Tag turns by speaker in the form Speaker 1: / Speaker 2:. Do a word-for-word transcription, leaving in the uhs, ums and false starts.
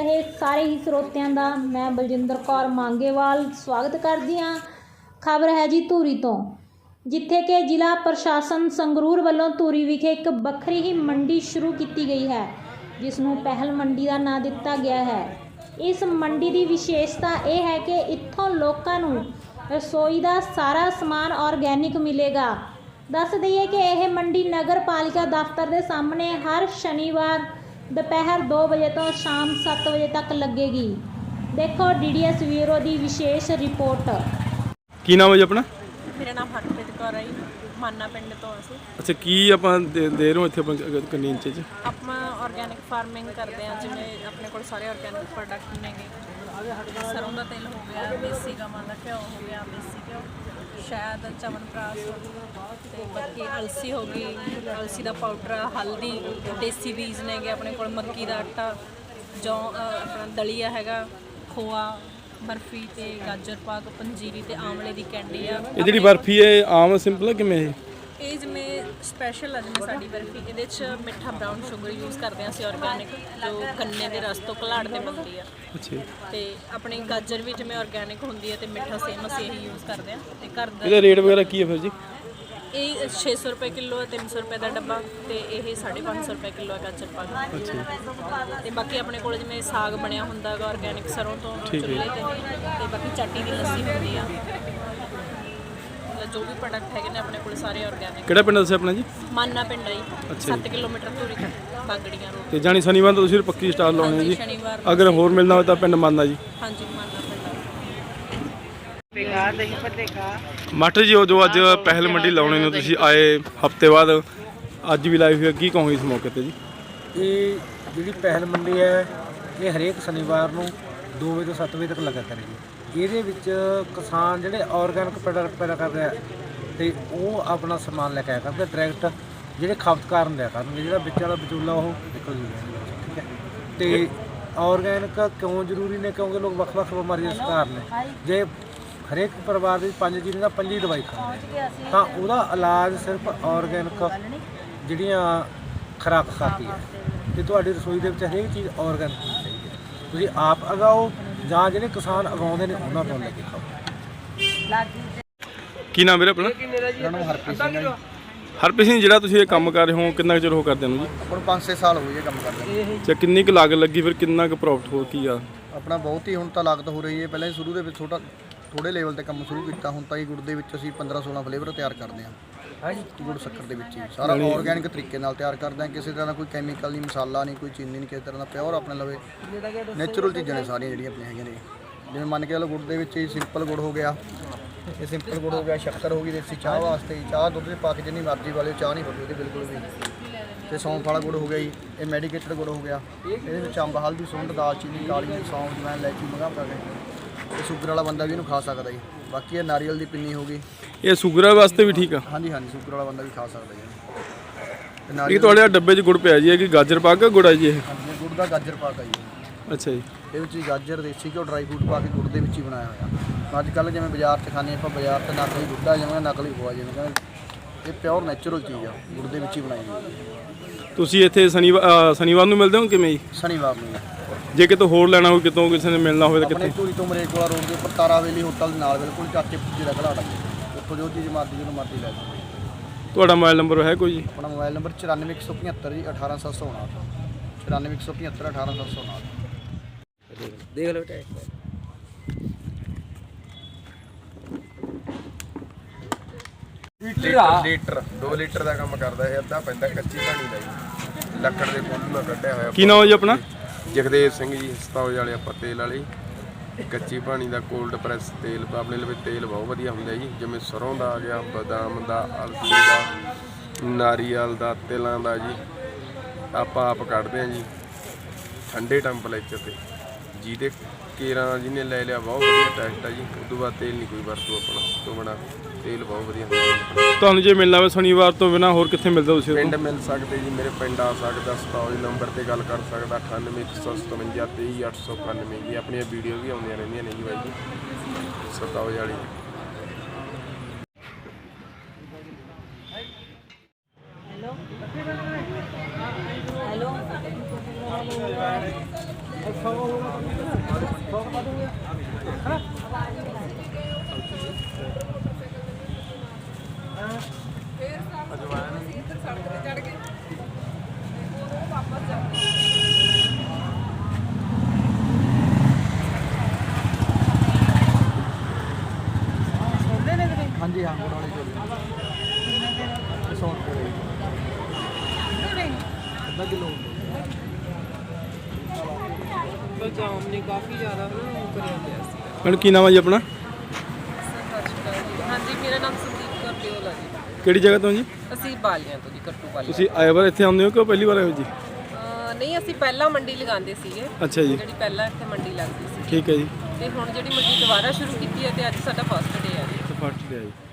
Speaker 1: रहे सारे ही ਸਰੋਤਿਆਂ ਦਾ मैं बलजिंदर कौर मांगेवाल स्वागत करती हाँ। खबर है जी धूरी तो, जिथे कि जिला प्रशासन संगरूर वालों धूरी विखे एक बखरी ही मंडी शुरू की गई है, जिसनों पहल मंडी का नाम दिता गया है। इस मंडी की विशेषता यह है कि इत्थों लोगों नूं रसोई का सारा समान ऑर्गैनिक मिलेगा। दस दईए कि यह मंडी नगर पालिका दफ्तर के सामने हर शनिवार दोपहर दो बजे तो शाम सत्त बजे तक लगेगी। देखो डी डी एस ब्यूरो की विशेष रिपोर्ट।
Speaker 2: की नाम है जी अपना?
Speaker 3: मेरा नाम हरप्रीत कौर है, माना पिंड तो ਅਸੀਂ।
Speaker 2: अच्छा की आप दे दे रहे हो इतने अपन कंटीन च?
Speaker 3: ਆਪਾਂ ਆਰਗੈਨਿਕ ਫਾਰਮਿੰਗ ਕਰਦੇ ਹਾਂ, ਜਿਵੇਂ ਆਪਣੇ ਕੋਲ ਸਾਰੇ ਆਰਗੈਨਿਕ ਪ੍ਰੋਡਕਟ ਨੇਗੇ। ਸਰੋਂ ਦਾ ਤੇਲ ਹੋ ਗਿਆ, ਦੇਸੀ ਗਾਵਾਂ ਦਾ ਘਿਓ ਹੋ ਗਿਆ, ਦੇਸੀ ਘਿਓ, ਸ਼ਹਿਦ, ਚਵਨਪ੍ਰਾਸ਼ ਤੇ ਬਾਕੀ ਅਲਸੀ ਹੋ ਗਈ, ਅਲਸੀ ਦਾ ਪਾਊਡਰ, ਹਲਦੀ, ਦੇਸੀ ਬੀਜ ਨੇਗੇ ਆਪਣੇ ਕੋਲ, ਮੱਕੀ ਦਾ ਆਟਾ, ਜੌਂ ਆਪਣਾ ਦਲੀਆ ਹੈਗਾ, ਖੋਆ, ਬਰਫੀ ਤੇ ਗਾਜਰ ਪਾਕ, ਪੰਜੀਰੀ ਤੇ ਆਮਲੇ ਦੀ ਕੈਂਡੀ ਆ।
Speaker 2: ਇਹ ਜਿਹੜੀ ਬਰਫੀ ਹੈ ਆਮ ਸਿੰਪਲ ਹੈ ਕਿਵੇਂ ਇਹ?
Speaker 3: ਇਹ ਜਿਵੇਂ ਸਪੈਸ਼ਲ ਆ, ਜਿਵੇਂ ਸਾਡੀ ਬਰਫੀ ਇਹਦੇ 'ਚ ਮਿੱਠਾ ਬਰਾਊਨ ਸ਼ੂਗਰ ਯੂਜ਼ ਕਰਦੇ ਹਾਂ ਅਸੀਂ ਆਰਗੈਨਿਕ, ਜੋ ਗੰਨੇ ਦੇ ਰਸ ਤੋਂ ਘਲਾੜ ਤੇ ਬਣਦੀ ਆ।
Speaker 2: ਅੱਛਾ।
Speaker 3: ਤੇ ਆਪਣੀ ਗਾਜਰ ਵੀ ਜਿਵੇਂ ਆਰਗੈਨਿਕ ਹੁੰਦੀ ਹੈ ਤੇ ਮਿੱਠਾ ਸੇਮ ਅਸੀਂ ਇਹੀ ਯੂਜ਼ ਕਰਦੇ ਹਾਂ। ਤੇ ਘਰ ਦਾ
Speaker 2: ਇਹਦਾ ਰੇਟ ਵਗੈਰਾ ਕੀ ਹੈ ਫਿਰ ਜੀ?
Speaker 3: ਇਹ ਛੇ ਸੌ ਰੁਪਏ ਕਿਲੋ ਹੈ, ਤਿੰਨ ਸੌ ਰੁਪਏ ਦਾ ਡੱਬਾ, ਤੇ ਇਹ ਸਾਢੇ ਪੰਜ ਸੌ ਰੁਪਏ ਕਿਲੋ ਹੈ ਗਾਜਰ ਪਾਕ। ਤੇ ਬਾਕੀ ਆਪਣੇ ਕੋਲ ਜਿਵੇਂ ਸਾਗ ਬਣਿਆ ਹੁੰਦਾ ਗਾ ਆਰਗੈਨਿਕ ਸਰੋਂ ਤੋਂ ਚੁੱਲ੍ਹੇ ਤੇ, ਤੇ ਬਾਕੀ ਚਾਟੀ ਦੀ ਲੱਸੀ ਹੁੰਦੀ ਆ। जो भी प्रोडक्ट है अपने को सारे ऑर्गेनिक।
Speaker 2: ਕਿਹੜਾ ਪਿੰਡ ਦੱਸਿਆ ਆਪਣਾ ਜੀ?
Speaker 3: ਮਾਨਾ ਪਿੰਡ ਹੈ ਜੀ, ਸੱਤ ਕਿਲੋਮੀਟਰ ਦੂਰੀ ਤੋਂ ਬਾਗੜੀਆਂ ਰੋਡ
Speaker 2: ਤੇ ਜਾਨੀ ਸ਼ਨੀਵਾਰ ਤੋਂ ਤੁਸੀਂ ਪੱਕੀ ਸਟਾਲ ਲਾਉਣੇ ਜੀ?
Speaker 3: ਸ਼ਨੀਵਾਰ
Speaker 2: ਅਗਰ ਹੋਰ ਮਿਲਣਾ ਹੋਵੇ ਤਾਂ ਪਿੰਡ ਮਾਨਾ ਜੀ।
Speaker 3: ਹਾਂਜੀ ਮਾਨਾ ਪਿੰਡ।
Speaker 2: ਮਾਸਟਰ ਜੀ, ਉਹ ਜੋ ਅੱਜ ਪਹਿਲ ਮੰਡੀ ਲਾਉਣੇ ਨੂੰ ਤੁਸੀਂ ਆਏ ਹਫਤੇ ਬਾਅਦ ਅੱਜ ਵੀ ਲਾਈਵ ਹੋਇਆ, ਕੀ ਕਹੋਗੇ ਇਸ ਮੌਕੇ ਤੇ ਜੀ?
Speaker 4: ਇਹ ਜਿਹੜੀ ਪਹਿਲ ਮੰਡੀ ਹੈ ਇਹ ਹਰੇਕ ਸ਼ਨੀਵਾਰ ਨੂੰ ਦੋ ਵਜੇ ਤੋਂ ਸੱਤ ਵਜੇ ਤੱਕ ਲੱਗਾ ਕਰੇਗੀ। ਇਹਦੇ ਵਿੱਚ ਕਿਸਾਨ ਜਿਹੜੇ ਆਰਗੈਨਿਕ ਪ੍ਰੋਡਕਟ ਪੈਦਾ ਕਰਦੇ ਆ ਤੇ ਉਹ ਆਪਣਾ ਸਮਾਨ ਲੈ ਕੇ ਆਇਆ ਕਰਦੇ ਡਾਇਰੈਕਟ, ਜਿਹੜੇ ਖਪਤਕਾਰ ਨੂੰ ਲਿਆ ਕਰਨਗੇ, ਜਿਹੜਾ ਵਿੱਚ ਵਾਲਾ ਵਿਚੋਲਾ ਉਹ ਨਿਕਲ ਜੂਗਾ। ਠੀਕ ਹੈ। ਤੇ ਆਰਗੈਨਿਕ ਕਿਉਂ ਜ਼ਰੂਰੀ ਨੇ? ਕਿਉਂਕਿ ਲੋਕ ਵੱਖ-ਵੱਖ ਬਿਮਾਰੀਆਂ ਦਾ ਸ਼ਿਕਾਰ ਨੇ। ਜੇ ਹਰੇਕ ਪਰਿਵਾਰ ਦੇ ਪੰਜ ਜੀਅ ਦਾ ਪੰਜੀ ਦਵਾਈ ਖਾਂਦੇ ਤਾਂ ਉਹਦਾ ਇਲਾਜ ਸਿਰਫ ਆਰਗੈਨਿਕ ਜਿਹੜੀਆਂ ਖੁਰਾਕ ਖਾਤੀ ਹੈ। ਤੇ ਤੁਹਾਡੀ ਰਸੋਈ ਦੇ ਵਿੱਚ ਹਰੇਕ ਚੀਜ਼ ਆਰਗੈਨਿਕ ਹੋਣੀ ਚਾਹੀਦੀ ਹੈ। ਤੁਸੀਂ ਆਪ ਉਗਾਓ ਜਾਂ ਜਿਹੜੇ ਕਿਸਾਨ ਉਗਾਉਂਦੇ ਨੇ ਉਹਨਾਂ ਤੋਂ ਲੈ ਕੇ ਖਾਓ।
Speaker 2: ਕੀ ਨਾਮ ਵੀਰੇ ਆਪਣਾ?
Speaker 5: ਮੇਰਾ ਨਾਮ ਹਰਪ੍ਰੀਤ ਸਿੰਘ ਹੈ ਜੀ।
Speaker 2: ਹਰਪ੍ਰੀਤ ਸਿੰਘ, ਜਿਹੜਾ ਤੁਸੀਂ ਇਹ ਕੰਮ ਕਰ ਰਹੇ ਹੋ ਕਿੰਨਾ ਕੁ ਚਿਰ ਹੋ ਕਰਦੇ ਨੂੰ ਜੀ?
Speaker 5: ਹੁਣ ਪੰਜ ਛੇ ਸਾਲ ਹੋ ਗਏ ਇਹ ਕੰਮ ਕਰਦੇ।
Speaker 2: ਅੱਛਾ, ਕਿੰਨੀ ਕੁ ਲਾਗਤ ਲੱਗੀ ਫਿਰ, ਕਿੰਨਾ ਕੁ ਪ੍ਰੋਫਿਟ ਹੋ ਕੀ ਆ?
Speaker 5: ਆਪਣਾ ਬਹੁਤ ਹੀ ਹੁਣ ਤਾਂ ਲਾਗਤ ਹੋ ਰਹੀ ਹੈ। ਪਹਿਲਾਂ ਹੀ ਸ਼ੁਰੂ ਦੇ ਵਿੱਚ ਛੋਟਾ ਥੋੜੇ ਲੈਵਲ ਤੇ ਕੰਮ ਸ਼ੁਰੂ ਕੀਤਾ, ਹੁਣ ਤਾਂ ਇਹ ਗੁੜ ਦੇ ਵਿੱਚ ਅਸੀਂ ਪੰਦਰਾਂ ਸੋਲਾਂ ਫਲੇਵਰ ਤਿਆਰ ਕਰਦੇ ਹਾਂ। ਗੁੜ ਸ਼ੱਕਰ ਦੇ ਵਿੱਚ ਹੀ ਸਾਰਾ ਆਰਗੈਨਿਕ ਤਰੀਕੇ ਨਾਲ ਤਿਆਰ ਕਰਦੇ ਹਾਂ। ਕਿਸੇ ਤਰ੍ਹਾਂ ਦਾ ਕੋਈ ਕੈਮੀਕਲ ਨਹੀਂ, ਮਸਾਲਾ ਨਹੀਂ, ਕੋਈ ਚੀਨੀ ਨਹੀਂ, ਕਿਸੇ ਤਰ੍ਹਾਂ ਦਾ ਪਿਓਰ ਆਪਣੇ ਲਵੇ ਨੈਚੁਰਲ ਚੀਜ਼ਾਂ ਨੇ ਸਾਰੀਆਂ ਜਿਹੜੀਆਂ ਆਪਣੀਆਂ ਹੈਗੀਆਂ ਨੇ। ਜਿਵੇਂ ਮੰਨ ਕੇ ਚਲੋ ਗੁੜ ਦੇ ਵਿੱਚ ਹੀ ਸਿੰਪਲ ਗੁੜ ਹੋ ਗਿਆ, ਇਹ ਸਿੰਪਲ ਗੁੜ ਹੋ ਗਿਆ, ਸ਼ੱਕਰ ਹੋ ਗਈ ਦੇਸੀ ਚਾਹ ਵਾਸਤੇ, ਚਾਹ ਦੁੱਧ ਦੇ ਪਾ ਕੇ ਜਿੰਨੀ ਮਰਜ਼ੀ ਵਾਲੇ ਚਾਹ ਨਹੀਂ ਪੱਕੀ ਉਹਦੀ ਬਿਲਕੁਲ ਵੀ। ਤੇ ਸੌਂਫ ਵਾਲਾ ਗੁੜ ਹੋ ਗਿਆ ਜੀ, ਇਹ ਮੈਡੀਕੇਟਡ ਗੁੜ ਹੋ ਗਿਆ। ਇਹਦੇ ਵਿੱਚ ਅੰਬ, ਹਲਦੀ, ਸੁੰਡ, ਦਾਲਚੀਨੀ, ਕਾਲੀ ਮਿਰਚ, ਸੌਂਫ, ਜਵੈਣ, ਇਲਾਇਚੀ ਮੰਗਾ ਕਰਕੇ ਇਹ ਸ਼ੂਗਰ ਵਾਲਾ ਬੰਦਾ ਵੀ ਇਹਨੂੰ ਖਾ ਸਕਦਾ ਜੀ। ਬਾਕੀ ਇਹ ਨਾਰੀਅਲ ਦੀ ਪਿੰਨੀ ਹੋ ਗਈ,
Speaker 2: ਇਹ ਸ਼ੂਗਰ ਵਾਸਤੇ ਵੀ ਠੀਕ ਆ?
Speaker 5: ਹਾਂਜੀ ਹਾਂਜੀ, ਸ਼ੂਗਰ ਵਾਲਾ ਬੰਦਾ ਵੀ ਖਾ ਸਕਦਾ ਜੀ। ਤੇ
Speaker 2: ਇਹ
Speaker 5: ਨਾਰੀਅਲ
Speaker 2: ਤੁਹਾਡੇ ਡੱਬੇ 'ਚ ਗੁੜ ਪਿਆ ਜੀ, ਇਹ ਕੀ ਗਾਜਰ ਪਾਕ ਗੁੜ ਆ ਜੀ ਇਹ?
Speaker 5: ਹਾਂਜੀ, ਗੁੜ ਦਾ ਗਾਜਰ ਪਾਕ ਆ ਜੀ।
Speaker 2: ਅੱਛਾ ਜੀ।
Speaker 5: ਇਹ ਵਿੱਚ ਹੀ ਗਾਜਰ, ਦੇਸੀ ਘਿਓ, ਡਰਾਈ ਫਰੂਟ ਪਾ ਕੇ ਗੁੜ ਦੇ ਵਿੱਚ ਹੀ ਬਣਾਇਆ ਹੋਇਆ। ਅੱਜ ਕੱਲ੍ਹ ਜਿਵੇਂ ਬਾਜ਼ਾਰ 'ਚ ਖਾਂਦੇ ਆਪਾਂ, ਬਾਜ਼ਾਰ 'ਤੇ ਨਕਲੀ ਦੁੱਧ ਆ ਜਿਵੇਂ ਨਕਲੀ ਖੋਆ ਜਿਵੇਂ ਕਹਿੰਦੇ, ਇਹ ਪਿਓਰ ਨੈਚੁਰਲ ਚੀਜ਼ ਆ, ਗੁੜ ਦੇ ਵਿੱਚ ਹੀ ਬਣਾਈ ਹੋਈ।
Speaker 2: ਤੁਸੀਂ ਇੱਥੇ ਸ਼ਨੀਵਾਰ ਸ਼ਨੀਵਾਰ ਨੂੰ ਮਿਲਦੇ ਹੋ ਕਿਵੇਂ ਜੀ?
Speaker 5: ਸ਼ਨੀਵਾਰ ਨੂੰ
Speaker 2: ਜੇ ਕਿਤੋਂ ਹੋਰ ਲੈਣਾ ਹੋਵੇ, ਕਿਤੋਂ ਕਿਸੇ ਨੇ ਮਿਲਣਾ ਹੋਵੇ ਤਾਂ
Speaker 5: ਆਪਣੇ
Speaker 2: ਕਿੱਥੇ?
Speaker 5: ਧੂਰੀ ਤੋਂ ਮਰੇਕੋਲਾ ਰੋਡ ਦੇ ਉੱਪਰ ਤਾਰਾ ਵੇਲੀ ਹੋਟਲ ਦੇ ਨਾਲ ਬਿਲਕੁਲ ਚਾਚੇ ਪੁੱਜੇ ਦਾ ਘਲਾੜਾ, ਉੱਥੋਂ ਜੋ ਚੀਜ਼ ਮਰਜ਼ੀ ਜਿਹਨੂੰ ਮਰਜ਼ੀ ਲੈ ਜਾਓ।
Speaker 2: ਤੁਹਾਡਾ ਮੋਬਾਈਲ ਨੰਬਰ ਹੈ ਕੋਈ ਜੀ?
Speaker 5: ਆਪਣਾ ਮੋਬਾਈਲ ਨੰਬਰ ਚੁਰਾਨਵੇਂ ਇੱਕ ਸੌ ਪਝੱਤਰ ਜੀ ਅਠਾਰਾਂ ਸੱਤ ਸੌ ਉਣਾਹਠ, ਚੁਰਾਨਵੇਂ ਇੱਕ ਸੌ ਪਝੱਤਰ ਅਠਾਰਾਂ ਸੱਤ ਸੌ ਉਣਾਹਠ।
Speaker 4: ਦੇਖ ਲਓ ਬੇਟਾ
Speaker 6: ਲੀਟਰ ਲੀਟਰ ਦੋ ਲੀਟਰ ਦਾ ਕੰਮ ਕਰਦਾ ਇਹ। ਅੱਧਾ ਪੈਂਦਾ ਕੱਚੀ ਕਹਾਣੀ ਦਾ ਜੀ, ਲੱਕੜ ਦੇ ਕੋਲ ਨਾਲ ਕੱਢਿਆ ਹੋਇਆ।
Speaker 2: ਕੀ ਨਾਮ ਹੈ ਜੀ ਆਪਣਾ?
Speaker 6: ਜਗਦੇਵ ਸਿੰਘ ਜੀ, ਸਤੌਜ ਵਾਲੇ ਆਪਾਂ ਤੇਲ ਵਾਲੇ। ਕੱਚੀ ਪਾਣੀ ਦਾ ਕੋਲਡ ਪ੍ਰੈਸ ਤੇਲ ਆਪਣੇ ਲਈ ਤੇਲ ਬਹੁਤ ਵਧੀਆ ਹੁੰਦਾ ਜੀ, ਜਿਵੇਂ ਸਰੋਂ ਦਾ ਆ ਗਿਆ, ਬਦਾਮ ਦਾ, ਅਲਸੀ ਦਾ, ਨਾਰੀਅਲ ਦਾ, ਤਿਲਾਂ ਦਾ ਜੀ। ਆਪਾਂ ਆਪ ਕੱਢਦੇ ਹਾਂ ਜੀ ਠੰਡੇ ਟੈਂਪਰੇਚਰ 'ਤੇ, ਜਿਹਦੇ ਕੇਰਾਂ ਜਿਹਨੇ ਲੈ ਲਿਆ ਬਹੁਤ ਵਧੀਆ ਟੈਸਟ ਆ ਜੀ। ਉਸ ਤੋਂ ਬਾਅਦ ਤੇਲ ਨਹੀਂ ਕੋਈ ਵਰਤੋ ਆਪਣਾ, ਤੋਂ ਬਣਾ ਤੇਲ ਬਹੁਤ ਵਧੀਆ ਹੁੰਦਾ।
Speaker 2: ਤੁਹਾਨੂੰ ਜੇ ਮਿਲਣਾ ਹੋਵੇ ਸ਼ਨੀਵਾਰ ਤੋਂ ਬਿਨਾਂ ਹੋਰ ਕਿੱਥੇ ਮਿਲਦਾ ਤੁਸੀਂ?
Speaker 6: ਪਿੰਡ ਮਿਲ ਸਕਦੇ ਜੀ, ਮੇਰੇ ਪਿੰਡ ਆ ਸਕਦਾ, ਸਤੌਜ ਨੰਬਰ ਤੇ ਗੱਲ ਕਰ ਸਕਦਾ, ਅਠਾਨਵੇਂ ਇੱਕ ਸੌ ਸਤਵੰਜਾ ਤੇਈ ਅੱਠ ਸੌ ਇਕਾਨਵੇਂ ਜੀ। ਆਪਣੀਆਂ ਵੀਡੀਓ ਵੀ ਆਉਂਦੀਆਂ ਰਹਿੰਦੀਆਂ ਨੇ ਜੀ ਬਾਈ ਜੀ, ਸਤੌਜ ਵਾਲੀ।
Speaker 1: हेलो हेलो
Speaker 5: ਹਾਂਜੀ ਹਾਂ ਗੁੜ ਵਾਲੇ ਚੋਲੇ ਸੌ ਰੁਪਏ ਅੱਧਾ ਕਿਲੋ
Speaker 3: ਜਾਮ ਨੇ ਕਾਫੀ ਜ਼ਿਆਦਾ ਕਰਿਆ ਗਿਆ ਸੀ।
Speaker 2: ਮੈਡਮ ਕੀ ਨਾਮ ਹੈ ਜੀ ਆਪਣਾ?
Speaker 3: ਹਾਂਜੀ, ਮੇਰਾ ਨਾਮ ਸੰਦੀਪ ਕੌਰ ਦਿਓਲ ਹੈ ਜੀ।
Speaker 2: ਕਿਹੜੀ ਜਗ੍ਹਾ ਤੋਂ ਜੀ?
Speaker 3: ਅਸੀਂ ਬਾਲੀਆਂ ਤੋਂ ਜੀ, ਕੱਟੂ ਬਾਲੀਆਂ।
Speaker 2: ਤੁਸੀਂ ਆਏ ਵਾਰ ਇੱਥੇ ਆਉਂਦੇ ਹੋ ਕਿ ਪਹਿਲੀ ਵਾਰ ਆਏ ਹੋ ਜੀ?
Speaker 3: ਅਹ ਨਹੀਂ, ਅਸੀਂ ਪਹਿਲਾਂ ਮੰਡੀ ਲਗਾਉਂਦੇ ਸੀਗੇ,
Speaker 2: ਅੱਛਾ ਜੀ,
Speaker 3: ਜਿਹੜੀ ਪਹਿਲਾਂ ਇੱਥੇ ਮੰਡੀ ਲੱਗਦੀ ਸੀ,
Speaker 2: ਠੀਕ ਹੈ ਜੀ।
Speaker 3: ਤੇ ਹੁਣ ਜਿਹੜੀ ਮੰਡੀ ਦੁਬਾਰਾ ਸ਼ੁਰੂ ਕੀਤੀ ਹੈ ਤੇ ਅੱਜ ਸਾਡਾ ਫਸਟ ਡੇ ਹੈ ਜੀ।
Speaker 2: ਫਸਟ ਡੇ ਆ ਜੀ।